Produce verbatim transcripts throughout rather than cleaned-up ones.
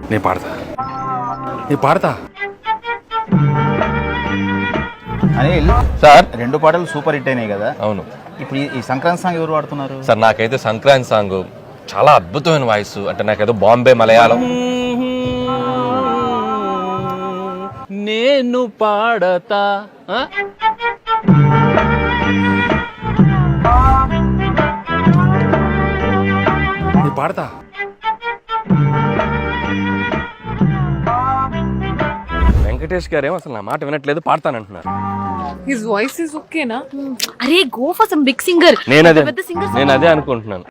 నేను పాడతా నేను పాడతా అనిల్ సార్ రెండు పాటలు సూపర్ హిట్ అయినాయి కదా. అవును. ఇప్పుడు ఈ సంక్రాంతి సాంగ్ ఎవరు పాడుతున్నారు సార్? నాకైతే సంక్రాంతి సాంగ్ చాలా అద్భుతమైన వాయిస్, అంటే నాకేదో బాంబే మలయాళం. నేను పాడతా నేను పాడతా వెంకటేష్ గారేమో అసలు నా మాట వినట్లేదు, పాడతానంటున్నారు. His voice is okay na? అరే go for some big singer. నేను అదే పెద్ద సింగర్. నేను అదే అనుకుంటున్నాను.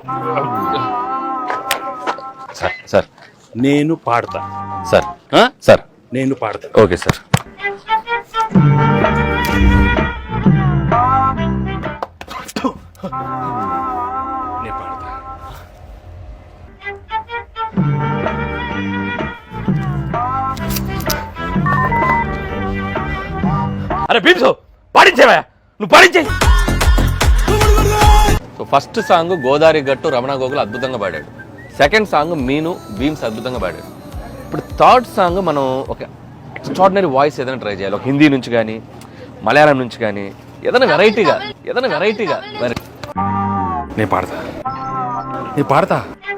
సార్ సార్ నేను పాడతా సార్ సార్ నేను పాడతా. Okay sir. నేను పాడతా. అరే భీమ్సో పాడించేవా, నువ్వు పాడించే. సో ఫస్ట్ సాంగ్ గోదావరి గట్టు రమణ గోగులు అద్భుతంగా పాడాడు. సెకండ్ సాంగ్ మీను భీమ్స్ అద్భుతంగా పాడాడు. ఇప్పుడు థర్డ్ సాంగ్ మనం ఒక ఎక్స్ట్రాడినరీ వాయిస్ ఏదైనా ట్రై చేయాలి. ఒక హిందీ నుంచి కానీ మలయాళం నుంచి కానీ ఏదైనా వెరైటీగా ఏదైనా వెరైటీగా నేను పాడతా నేను పాడతా.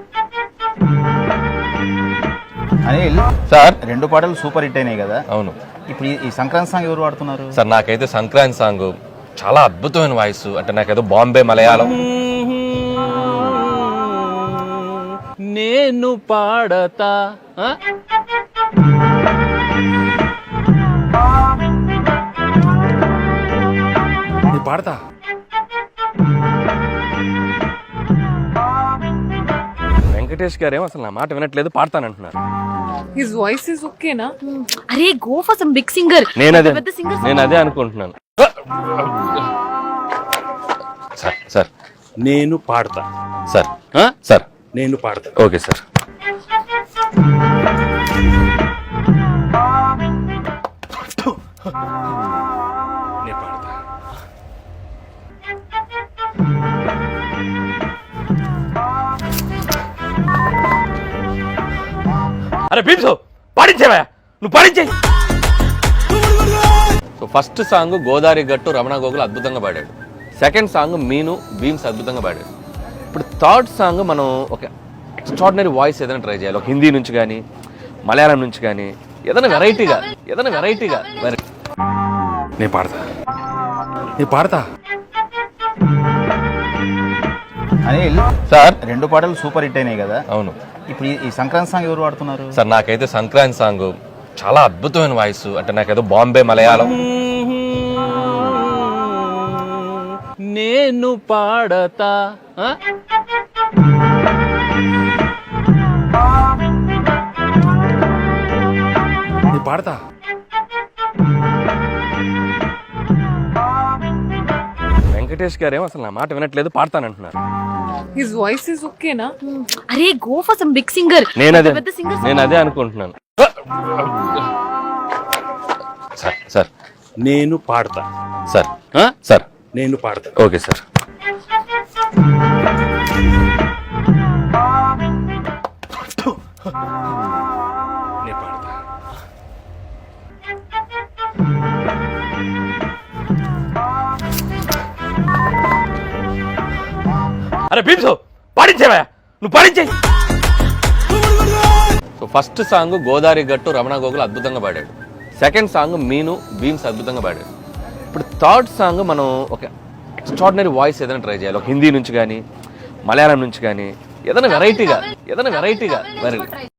అనిల్ సార్ రెండు పాటలు సూపర్ హిట్ అయినాయి కదా. అవును. ఇప్పుడు ఈ సంక్రాంతి సాంగ్ ఎవరు పాడుతున్నారు సార్? నాకైతే సంక్రాంతి సాంగ్ చాలా అద్భుతమైన వాయిస్, అంటే నాకేదో బాంబే మలయాళం. నేను పాడతా నేను పాడతా. వెంకటేష్ గారేమో అసలు నా మాట వినట్లేదు, పాడతానంటున్నారు. His voice is okay na? అరే go for some big singer. నేను అదే పెద్ద సింగర్. నేను అదే అనుకుంటున్నాను. సార్ సార్ నేను పాడతా సార్ సార్ నేను పాడతా. Okay sir. నేను పాడతా. అరే భీమ్సో పాడించేవా, నువ్వు పాడించే. సో ఫస్ట్ సాంగ్ గోదావరి గట్టు రమణ గోగులు అద్భుతంగా పాడాడు. సెకండ్ సాంగ్ మీను భీమ్స్ అద్భుతంగా పాడాడు. ఇప్పుడు థర్డ్ సాంగ్ మనం ఒక ఎక్స్ట్రాడినరీ వాయిస్ ఏదైనా ట్రై చేయాలి. ఒక హిందీ నుంచి కానీ మలయాళం నుంచి కానీ ఏదైనా వెరైటీగా ఏదైనా వెరైటీగా నేను పాడతా నేను పాడతా. అనిల్ సార్ రెండు పాటలు సూపర్ హిట్ అయినాయి కదా. అవును. ఇప్పుడు ఈ సంక్రాంతి సాంగ్ ఎవరు పాడుతున్నారు సార్? నాకైతే సంక్రాంతి సాంగ్ చాలా అద్భుతమైన వాయిస్, అంటే నాకేదో బాంబే మలయాళం. నేను పాడతా నేను పాడతా. వెంకటేష్ గారేమో అసలు నా మాట వినట్లేదు, పాడతానంటున్నారు. His voice is okay na? అరే go for some big singer. నేను అదే పెద్ద సింగర్. నేను అదే అనుకుంటున్నాను. సార్ సార్ నేను పాడతా సార్ సార్ నేను పాడతా. Okay sir. నేను పాడతా. అరే భీమ్సో పాడించేవా, నువ్వు పాడించే. సో ఫస్ట్ సాంగ్ గోదావరి గట్టు రమణ గోగులు అద్భుతంగా పాడాడు. సెకండ్ సాంగ్ మీను భీమ్స్ అద్భుతంగా పాడాడు. ఇప్పుడు థర్డ్ సాంగ్ మనం ఒక ఎక్స్ట్రాడినరీ వాయిస్ ఏదైనా ట్రై చేయాలి. ఒక హిందీ నుంచి కానీ మలయాళం నుంచి కానీ ఏదైనా వెరైటీగా ఏదైనా వెరైటీగా